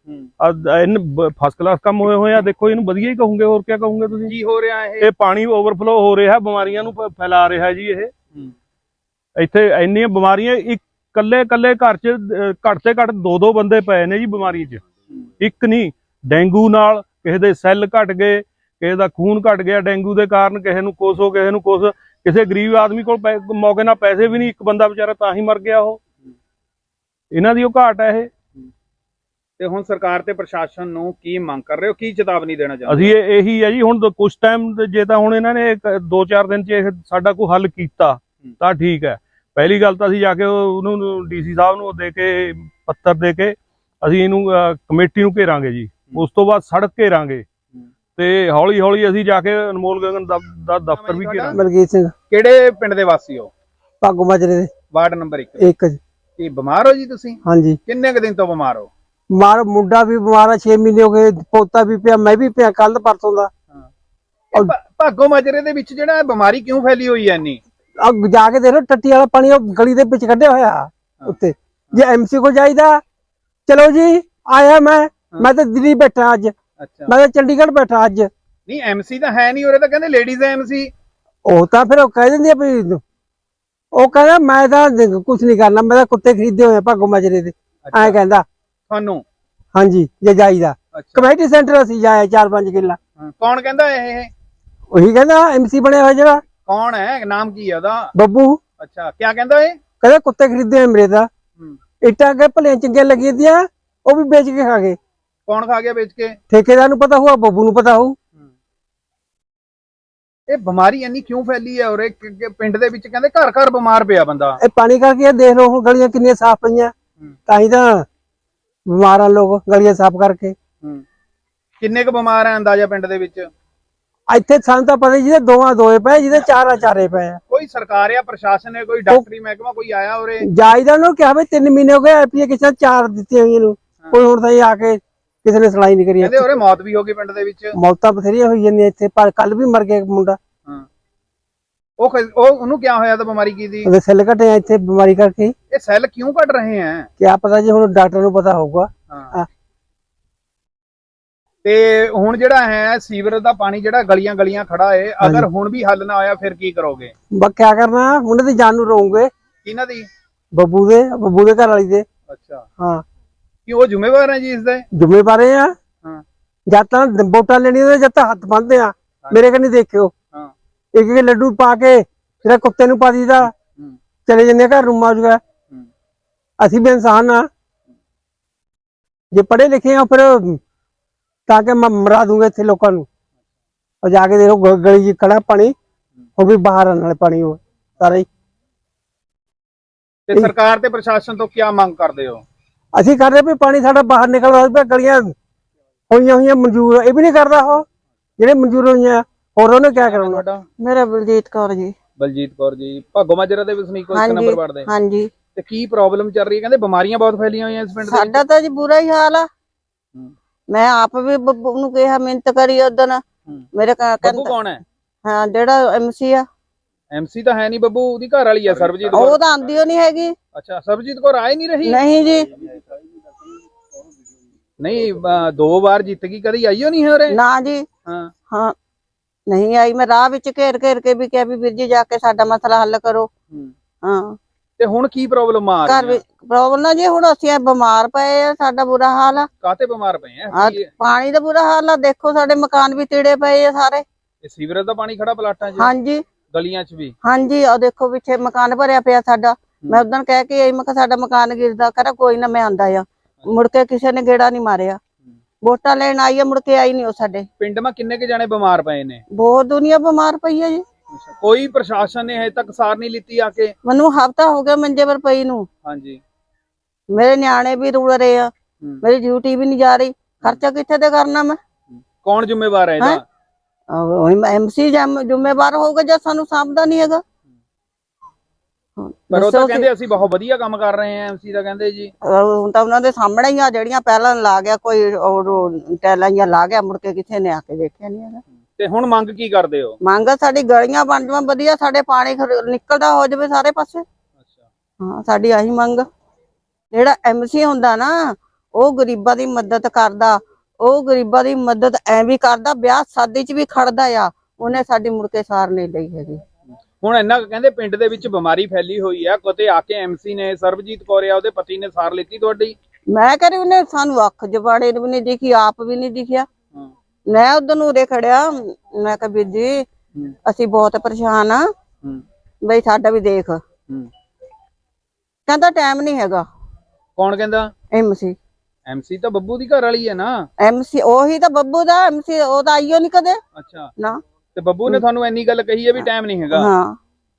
D: ਫਸਟ ਕਲਾਸ ਕੰਮ ਹੋਏ ਆ। ਦੇਖੋ ਇਹਨੂੰ ਵਧੀਆ ਹੀ ਕਹੋਗੇ, ਹੋਰ ਕੀ ਕਹੋਗੇ ਤੁਸੀਂ? ਕੀ ਹੋ ਰਿਹਾ ਇਹ ਪਾਣੀ ਓਵਰਫਲੋ ਹੋ ਰਿਹਾ, ਬਿਮਾਰੀਆਂ ਨੂੰ ਫੈਲਾ ਰਿਹਾ ਜੀ ਇਹ। ਇੱਥੇ ਇੰਨੀਆਂ ਬਿਮਾਰੀਆਂ, ਇਕੱਲੇ ਘਰ 'ਚ ਘੱਟ ਤੇ ਘੱਟ 2 ਬੰਦੇ ਪਏ ਨੇ ਜੀ ਬਿਮਾਰੀ 'ਚ। ਇੱਕ ਨਹੀਂ, ਡੇਂਗੂ ਨਾਲ ਕਿਸੇ ਦੇ ਸੈੱਲ ਘਟ ਗਏ, ਕਿਸੇ ਦਾ ਖੂਨ ਘਟ ਗਿਆ ਡੇਂਗੂ ਦੇ ਕਾਰਨ, ਕਿਸੇ ਨੂੰ ਕੁਛ ਹੋ, ਕਿਸੇ ਨੂੰ ਕੁਛ। ਕਿਸੇ ਗਰੀਬ ਆਦਮੀ ਕੋਲ ਮੌਕੇ ਨਾਲ ਪੈਸੇ ਵੀ ਨਹੀਂ, 1 ਬੰਦਾ ਵਿਚਾਰਾ ਤਾਂ ਹੀ ਮਰ ਗਿਆ ਉਹ। ਇਹਨਾਂ ਦੀ ਉਹ ਘਾਟ ਹੈ ਇਹ।
A: ਤੇ ਹੁਣ ਸਰਕਾਰ ਤੇ ਪ੍ਰਸ਼ਾਸਨ ਨੂੰ ਕੀ ਮੰਗ ਕਰ ਰਹੇ ਹੋ, ਕੀ ਚੇਤਾਵਨੀ ਦੇਣਾ ਚਾਹੁੰਦੇ?
D: ਅਸੀਂ ਇਹੀ ਹੈ ਜੀ, ਹੁਣ ਕੁਛ ਟਾਈਮ ਜੇ ਤਾਂ ਹੁਣ ਇਹਨਾਂ ਨੇ 2-4 ਦਿਨ 'ਚ ਇਹ ਸਾਡਾ ਕੋਈ ਹੱਲ ਕੀਤਾ ਤਾਂ ਠੀਕ ਹੈ। ਪਹਿਲੀ ਗੱਲ ਤਾਂ ਅਸੀਂ ਜਾ ਕੇ ਉਹਨੂੰ ਡੀਸੀ ਸਾਹਿਬ ਨੂੰ ਦੇ ਕੇ ਪੱਤਰ ਦੇ ਕੇ ਅਸੀਂ ਇਹਨੂੰ ਕਮੇਟੀ ਨੂੰ ਘੇਰਾਂਗੇ ਜੀ। ਉਸ ਤੋਂ ਬਾਅਦ ਸੜਕ ਘੇਰਾਂਗੇ ਤੇ ਹੌਲੀ ਅਸੀਂ ਜਾ ਕੇ ਅਨਮੋਲ ਗਗਨ ਦਾ ਦਫ਼ਤਰ ਵੀ ਘੇਰਾਂਗੇ।
B: ਮਲਕੀਤ ਸਿੰਘ।
A: ਕਿਹੜੇ ਪਿੰਡ ਦੇ ਵਾਸੀ ਹੋ?
B: ਭਾਗੋ ਮਾਜਰੇ ਦੇ,
A: ਵਾਰਡ ਨੰਬਰ 1। ਕੀ ਬਿਮਾਰ ਹੋ ਜੀ ਤੁਸੀਂ?
B: ਹਾਂਜੀ।
A: ਕਿੰਨੇ ਕੁ ਦਿਨ ਤੋਂ ਬਿਮਾਰ ਹੋ?
B: ਬਿਮਾਰ, ਮੁੰਡਾ ਵੀ ਬਿਮਾਰ ਆ, 6 ਮਹੀਨੇ ਹੋ ਗਏ, ਪੋਤਾ ਵੀ ਪਿਆ, ਮੈਂ ਵੀ ਪਿਆ ਕੱਲ ਪਰਸੋਂ ਦਾ।
A: ਭਾਗੋ ਮਾਜਰੇ ਦੇ ਵਿੱਚ ਜਿਹੜਾ ਬਿਮਾਰੀ ਕਿਉਂ ਫੈਲੀ ਹੋਈ ਹੈ ਇੰਨੀ?
B: ਜਾ ਕੇ ਦੇਖ ਲੋ, ਟੱਟੀ ਵਾਲਾ ਪਾਣੀ ਉਹ ਗਲੀ ਦੇ ਵਿੱਚ ਕੱਢਿਆ ਹੋਇਆ ਉੱਤੇ। ਜੇ ਐਮਸੀ ਕੋਲ ਜਾਈਦਾ, ਚਲੋ ਜੀ ਆਇਆ ਮੈਂ ਤਾਂ ਦਿੱਲੀ ਬੈਠਾ ਅੱਜ।
A: ਅੱਛਾ,
B: ਮੈਂ ਤਾਂ ਚੰਡੀਗੜ੍ਹ ਬੈਠਾ ਅੱਜ।
A: ਨਹੀਂ ਐਮਸੀ ਤਾਂ ਹੈ ਨਹੀਂ ਉਰੇ, ਤਾਂ ਕਹਿੰਦੇ ਲੇਡੀਜ਼ ਐਮਸੀ।
B: ਉਹ ਤਾਂ ਫਿਰ ਉਹ ਕਹਿ ਦਿੰਦੀ ਆ ਵੀ, ਉਹ ਕਹਿੰਦਾ ਮੈਂ ਤਾਂ ਕੁਝ ਨਹੀਂ ਕਰਨਾ, ਮੈਂ ਤਾਂ ਕੁੱਤੇ ਖਰੀਦੇ ਹੋਏ ਭਾਗੋ ਮਾਜਰੇ ਦੇ, ਐ ਕਹਿੰਦਾ
A: ਤੁਹਾਨੂੰ।
B: ਹਾਂਜੀ, ਜੇ ਜਾਈਦਾ ਕਮੇਟੀ ਸੈਂਟਰ ਅਸੀਂ ਜਾਇਆ 4-5 ਕਿੱਲਾ।
A: ਕੌਣ ਕਹਿੰਦਾ ਇਹ?
B: ਉਹੀ ਕਹਿੰਦਾ ਐਮਸੀ ਬਣਿਆ ਹੋਇਆ ਜਿਹੜਾ।
A: ਕੌਣ ਹੈ, ਨਾਮ ਕੀ ਹੈ ਉਹਦਾ?
B: ਬੱਬੂ।
A: ਅੱਛਾ, ਕੀ ਕਹਿੰਦਾ ਇਹ?
B: ਕਹਿੰਦਾ ਕੁੱਤੇ ਖਰੀਦੇ ਹੋਏ ਮੇਰੇ ਦਾ, ਇੱਟਾਂ ਕੇ ਭਲੇ ਚੰਗੀਆਂ ਲੱਗੀਆਂ ਦੀਆਂ, ਉਹ ਵੀ ਵੇਚ ਕੇ ਖਾ ਗਏ।
A: ਕੌਣ ਖਾ ਗਿਆ ਵੇਚ ਕੇ?
B: ਠੇਕੇਦਾਰ ਨੂੰ ਪਤਾ ਹੋਊ, ਬੱਬੂ ਨੂੰ ਪਤਾ ਹੋਊ।
A: ਇਹ ਬਿਮਾਰੀ ਇੰਨੀ ਕਿਉਂ ਫੈਲੀ ਹੈ ਉਰੇ? ਪਿੰਡ ਦੇ ਵਿੱਚ ਕਹਿੰਦੇ ਘਰ ਬਿਮਾਰ ਪਿਆ ਬੰਦਾ।
B: ਇਹ ਪਾਣੀ ਕਰਕੇ ਦੇਖ ਲਓ, ਹੁਣ ਗਲੀਆਂ ਕਿੰਨੀਆਂ ਸਾਫ਼ ਪਈਆਂ, ਤਾਂ ਹੀ ਤਾਂ ਬਿਮਾਰ ਆ ਲੋਕ, ਗਲੀਆਂ ਸਾਫ਼ ਕਰਕੇ।
A: ਕਿੰਨੇ ਕੁ ਬਿਮਾਰ ਆ ਅੰਦਾਜ਼ਾ ਪਿੰਡ ਦੇ ਵਿੱਚ?
B: ਇੱਥੇ ਸਾਨੂੰ ਤਾਂ ਪਤਾ ਜਿਹਦੇ ਦੋਆਂ ਦੋਏ ਪਏ, ਜਿਹਦੇ ਚਾਰਾਂ ਚਾਰੇ ਪਏ ਆ।
A: ਕੋਈ ਸਰਕਾਰ ਜਾਂ ਪ੍ਰਸ਼ਾਸਨ ਨੇ, ਕੋਈ ਡਾਕਟਰੀ ਮਹਿਕਮਾ ਕੋਈ ਆਇਆ ਉਰੇ?
B: ਜਾਇਦਾ ਨੂੰ ਕਿਹਾ ਵੀ 3 ਮਹੀਨੇ ਹੋ ਗਏ ਐਪਲੀਕੇਸ਼ਨ 4 ਦਿੱਤੀਆਂ ਹੋਈਆਂ ਨੂੰ, ਕੋਈ ਹੁਣ ਤਾਂ ਇਹ ਆ ਕੇ ਕਿਸੇ ਨੇ ਸੁਣਾਈ ਨਹੀਂ ਕਰੀ।
A: ਕਹਿੰਦੇ ਉਰੇ ਮੌਤ ਵੀ ਹੋ ਗਈ ਪਿੰਡ ਦੇ ਵਿੱਚ।
B: ਮੌਤਾਂ ਬਥੇਰੀਆਂ ਹੋਈ ਜਾਂਦੀਆਂ ਇੱਥੇ, ਪਰ ਕੱਲ ਵੀ ਮਰ ਗਿਆ ਇੱਕ ਮੁੰਡਾ।
A: ਉਹਨੂੰ ਕਿਆ ਹੋਇਆ ਤਾਂ ਬਿਮਾਰੀ ਕੀ ਸੀ?
B: ਉਹਦੇ ਸੈੱਲ ਘਟੇ ਆ ਇੱਥੇ ਬਿਮਾਰੀ ਕਰਕੇ।
A: ਇਹ ਸੈੱਲ ਕਿਉਂ ਘਟ ਰਹੇ ਆ?
B: ਕਿਆ ਪਤਾ ਜੀ, ਹੁਣ ਡਾਕਟਰ ਨੂੰ ਪਤਾ ਹੋਊਗਾ।
A: ਤੇ ਹੁਣ ਜਿਹੜਾ ਹੈ ਸੀਵਰ ਦਾ ਪਾਣੀ ਜਿਹੜਾ ਗਲੀਆਂ ਗਲੀਆਂ ਖੜਾ ਹੈ, ਅਗਰ ਹੁਣ ਵੀ ਹੱਲ ਨਾ ਹੋਇਆ ਫਿਰ ਕੀ ਕਰੋਗੇ?
B: ਬਸ ਕਿਆ ਕਰਨਾ, ਉਹਨਾਂ ਦੀ ਜਾਨ ਨੂੰ ਰੋਉਂਗੇ।
A: ਕਿਹਨਾਂ ਦੀ?
B: ਬੱਬੂ ਦੇ ਘਰ ਵਾਲੀ ਦੇ।
A: ਅੱਛਾ,
B: ਹਾਂ।
A: ਕਿ ਉਹ ਜ਼ਿੰਮੇਵਾਰ ਹੈ ਜੀ ਇਸ ਦੇ?
B: ਜ਼ਿੰਮੇਵਾਰ ਆ। ਜਦ ਤਾਂ ਵੋਟਾਂ ਲੈਣੀਆਂ ਜਦ ਤਾਂ ਹੱਥ ਬੰਨ੍ਹਦੇ ਆ। ਮੇਰੇ ਕੰਨੀ ਦੇਖਿਓ, ਇੱਕ ਇੱਕ ਲੱਡੂ ਪਾ ਕੇ ਜਿਹੜਾ ਕੁੱਤੇ ਨੂੰ ਪਾ ਦੀਦਾ, ਚਲੇ ਜਾਂਦੇ ਘਰ ਨੂੰ ਮਾਜੂਗਾ। ਅਸੀਂ ਵੀ ਇਨਸਾਨ ਆ, ਜੇ ਪੜ੍ਹੇ ਲਿਖੇ ਆ ਫਿਰ ਤਾਂ ਕਿ ਮੈਂ ਮਰਾ ਦੂੰਗਾ ਇੱਥੇ ਲੋਕਾਂ ਨੂੰ। ਉਹ ਜਾ ਕੇ ਦੇਖੋ ਗਲੀ ਚ ਖੜਾ ਪਾਣੀ, ਉਹ ਵੀ ਬਾਹਰ ਆਉਣ ਵਾਲੇ ਪਾਣੀ ਉਹ ਸਾਰਾ ਹੀ।
A: ਤੇ ਸਰਕਾਰ ਤੇ ਪ੍ਰਸ਼ਾਸਨ ਤੋਂ ਕੀ ਮੰਗ ਕਰਦੇ ਹੋ?
B: ਅਸੀਂ ਕਰਦੇ ਵੀ ਪਾਣੀ ਸਾਡਾ ਬਾਹਰ ਨਿਕਲਦਾ ਪਿਆ, ਗਲੀਆਂ ਹੋਈਆਂ ਮਨਜ਼ੂਰ, ਇਹ ਵੀ ਨਹੀਂ ਕਰਦਾ ਉਹ ਜਿਹੜੇ ਮਨਜ਼ੂਰ ਹੋਈਆਂ। ਹੋਰ ਉਹਨੇ ਕਿਆ ਕਰਾਉਣਾ?
A: ਤੁਹਾਡਾ?
E: ਮੇਰਾ ਬਲਜੀਤ ਕੌਰ ਜੀ।
A: ਬਲਜੀਤ ਕੌਰ ਜੀ, ਭਾਗੋ ਮਾਜਰਾ ਦੇ ਵਸਨੀਕ ਹੋ, 1 ਨੰਬਰ ਵਾਰਡ ਦੇ।
E: ਹਾਂਜੀ।
A: ਤੇ ਕੀ ਪ੍ਰੋਬਲਮ ਚੱਲ ਰਹੀ ਹੈ? ਕਹਿੰਦੇ ਬਿਮਾਰੀਆਂ ਬਹੁਤ ਫੈਲੀਆਂ ਹੋਈਆਂ ਇਸ ਪਿੰਡ ਦੇ।
E: ਸਾਡਾ ਤਾਂ ਜੀ ਬੁਰਾ ਹੀ ਹਾਲ ਆ। ਮੈਂ ਆਪ ਵੀ ਬੱਬੂ ਨੂੰ ਕਿਹਾ, ਮਿਹਨਤ ਕਰੀ ਉਦਣ। ਮੇਰੇ
A: ਬੱਬੂ ਕੌਣ ਹੈ?
E: ਹਾਂ, ਜਿਹੜਾ MC ਆ।
A: MC ਤਾਂ ਹੈ ਨਹੀਂ ਬੱਬੂ, ਉਹਦੀ ਘਰ ਵਾਲੀ ਆ ਸਰਬਜੀਤ।
E: ਉਹ ਤਾਂ ਆਂਦੀ ਓ ਨਹੀਂ ਹੈਗੀ।
A: ਅੱਛਾ, ਸਰਬਜੀਤ ਕੌਰ ਆਏ ਨਹੀਂ ਰਹੀ?
E: ਨਹੀਂ ਜੀ,
A: ਨਹੀਂ 2 ਵਾਰ ਜਿੱਤ ਗਈ, ਕਦੀ ਆਈਓ ਨਹੀਂ ਹੈ ਉਰੇ?
E: ਨਾ ਜੀ। ਹਾਂ, ਨਹੀਂ ਆਈ। ਮੈਂ ਰਾਹ ਵਿੱਚ ਘੇਰ ਕੇ ਵੀ ਕਿਹਾ ਵੀ ਵੀਰ ਜੀ ਜਾ ਕੇ ਸਾਡਾ ਮਸਲਾ ਹੱਲ ਕਰੋ। ਹਾਂ।
A: ਤੇ ਹੁਣ ਕੀ ਪ੍ਰੋਬਲਮ ਆ
E: ਘਰ ਵਿੱਚ ਪ੍ਰੋਬਲਮ ਨਾ ਜੀ, ਹੁਣ ਅਸੀਂ ਬਿਮਾਰ ਪਏ ਆ, ਸਾਡਾ ਬੁਰਾ ਹਾਲ ਆ।
A: ਕਾਤੇ ਬਿਮਾਰ ਪਏ ਆ?
E: ਪਾਣੀ ਦਾ ਬੁਰਾ ਹਾਲ ਆ, ਦੇਖੋ ਸਾਡੇ ਮਕਾਨ ਵੀ ਤੀੜੇ ਪਏ ਆ ਸਾਰੇ।
A: ਇਹ ਸੀਵਰੇਜ ਦਾ ਪਾਣੀ ਖੜਾ ਪਲਾਟਾਂ 'ਚ?
E: ਹਾਂਜੀ,
A: ਗਲੀਆਂ 'ਚ ਵੀ?
E: ਹਾਂਜੀ। ਉਹ ਦੇਖੋ ਪਿੱਛੇ ਮਕਾਨ ਭਰਿਆ ਪਿਆ ਸਾਡਾ। ਮੈਂ ਉਦੋਂ ਕਹਿ ਕੇ ਆਈ, ਮੈਂ ਕਿਹਾ ਸਾਡਾ ਮਕਾਨ ਗਿਰਦਾ, ਕਹਿੰਦਾ ਕੋਈ ਨਾ ਮੈਂ ਆਂਦਾ ਆ। ਮੁੜ ਕੇ ਕਿਸੇ ਨੇ ਗੇੜਾ ਨਹੀਂ ਮਾਰਿਆ। ਵੋਟਾਂ ਲੈਣ ਆਈ ਆ, ਮੁੜ ਕੇ ਆਈ ਨਹੀਂ ਉਹ ਸਾਡੇ
A: ਪਿੰਡ ਮਾ। ਕਿੰਨੇ ਕੇ ਜਾਣੇ ਬਿਮਾਰ ਪਏ ਨੇ?
E: ਬਹੁਤ ਦੁਨੀਆ ਬਿਮਾਰ ਪਈ ਆ ਜੀ।
A: ਕੋਈ ਪ੍ਰਸ਼ਾਸਨ ਨੇ ਹਜੇ ਤੱਕ ਸਾਰ ਨਹੀਂ ਲਿੱਤੀ ਆ ਕੇ?
E: ਮੈਨੂੰ ਹਫਤਾ ਹੋ ਗਿਆ ਮੰਜੇ ਪਰ ਪਈ ਨੂੰ।
A: ਹਾਂਜੀ।
E: ਮੇਰੇ ਨਿਆਣੇ ਵੀ ਰੁੜ ਰਹੇ ਆ, ਮੇਰੀ ਡਿਊਟੀ ਵੀ ਨਹੀਂ ਜਾ ਰਹੀ। ਖਰਚਾ ਕਿੱਥੇ ਤੇ ਕਰਨਾ ਮੈਂ?
A: ਕੌਣ ਜ਼ਿੰਮੇਵਾਰ ਹੈ ਇਹਦਾ?
E: MC ਜ਼ਿੰਮੇਵਾਰ ਹੋਊਗਾ ਜੇ ਸਾਨੂੰ ਸਾਂਭਦਾ ਨਹੀਂ ਹੈਗਾ।
A: ਪਰ ਉਹ ਤਾਂ ਕਹਿੰਦੇ ਅਸੀਂ ਬਹੁਤ ਵਧੀਆ ਕੰਮ ਕਰ ਰਹੇ ਹਾਂ, MC ਦਾ ਕਹਿੰਦੇ ਜੀ।
E: ਹੁਣ ਤਾਂ ਉਹਨਾਂ ਦੇ ਸਾਹਮਣੇ ਹੀ ਆ, ਜਿਹੜੀਆਂ ਪਹਿਲਾਂ ਲਾ ਗਿਆ ਕੋਈ ਟੈਲਾਂ ਜਾਂ ਲਾ ਗਿਆ, ਮੁੜ ਕੇ ਕਿਸੇ ਨੇ ਆ ਕੇ ਦੇਖਿਆ ਨਹੀਂ ਹੈਗਾ।
A: ਤੇ ਹੁਣ ਮੰਗ ਕੀ ਕਰਦੇ ਹੋ?
E: ਮੰਗ ਸਾਡੀ ਗਲੀਆਂ ਬਣ ਜਾਵਾਂ ਵਧੀਆ, ਸਾਡੇ ਪਾਣੀ ਨਿਕਲਦਾ ਹੋ ਜਾਵੇ ਸਾਰੇ ਪਾਸੇ। ਹਾਂ, ਸਾਡੀ ਆਹੀ ਮੰਗ। ਜਿਹੜਾ MC ਹੁੰਦਾ ਨਾ, ਉਹ ਗਰੀਬਾਂ ਦੀ ਮਦਦ ਕਰਦਾ, ਉਹ ਗਰੀਬਾਂ ਦੀ ਮਦਦ ਐਵੇਂ ਕਰਦਾ, ਵਿਆਹ ਸ਼ਾਦੀ 'ਚ ਵੀ ਖੜਦਾ ਆ। ਉਹਨੇ ਸਾਡੀ ਮੁੜ ਕੇ ਸਾਰ ਨਹੀਂ ਲਈ ਹੈਗੀ।
A: ਹੁਣ ਇੰਨਾ ਕਹਿੰਦੇ ਪਿੰਡ ਦੇ ਵਿੱਚ ਬਿਮਾਰੀ ਫੈਲੀ ਹੋਈ ਆ, ਕਿਤੇ ਆ ਕੇ MC ਨੇ, ਸਰਬਜੀਤ ਕੌਰ ਆ, ਉਹਦੇ ਪਤੀ ਨੇ ਸਾਰ ਲਿੱਤੀ ਤੁਹਾਡੀ?
E: ਮੈਂ ਕਹ ਰਹੀ ਉਹਨੇ ਸਾਨੂੰ ਅੱਖ ਜਵਾੜੇ ਵੀ ਨਹੀਂ ਦਿਖੀ, ਆਪ ਵੀ ਨਹੀਂ ਦਿਖਿਆ। ਮੈਂ ਉਧਰ ਨੂੰ ਉਰੇ ਖੜਿਆ, ਮੈਂ ਕਿਹਾ ਵੀਰ ਜੀ ਅਸੀਂ ਬਹੁਤ ਪਰੇਸ਼ਾਨ ਆ, ਬਈ ਸਾਡਾ ਵੀ ਦੇਖ। ਕਹਿੰਦਾ ਟਾਈਮ ਨਹੀਂ ਹੈਗਾ।
A: ਕੌਣ ਕਹਿੰਦਾ?
E: MC
A: ਤਾਂ ਬੱਬੂ ਦੀ ਘਰ ਵਾਲੀ ਹੈ ਨਾ।
E: MC ਉਹੀ ਤਾਂ ਬੱਬੂ ਦਾ MC, ਉਹ ਤਾਂ ਆਈਓ ਨਹੀਂ ਕਦੇ।
A: ਅੱਛਾ
E: ਨਾ।
A: ਤੇ ਬੱਬੂ ਨੇ ਤੁਹਾਨੂੰ ਇੰਨੀ ਗੱਲ ਕਹੀ ਹੈ ਵੀ ਟਾਈਮ ਨਹੀਂ ਹੈਗਾ?
E: ਹਾਂ।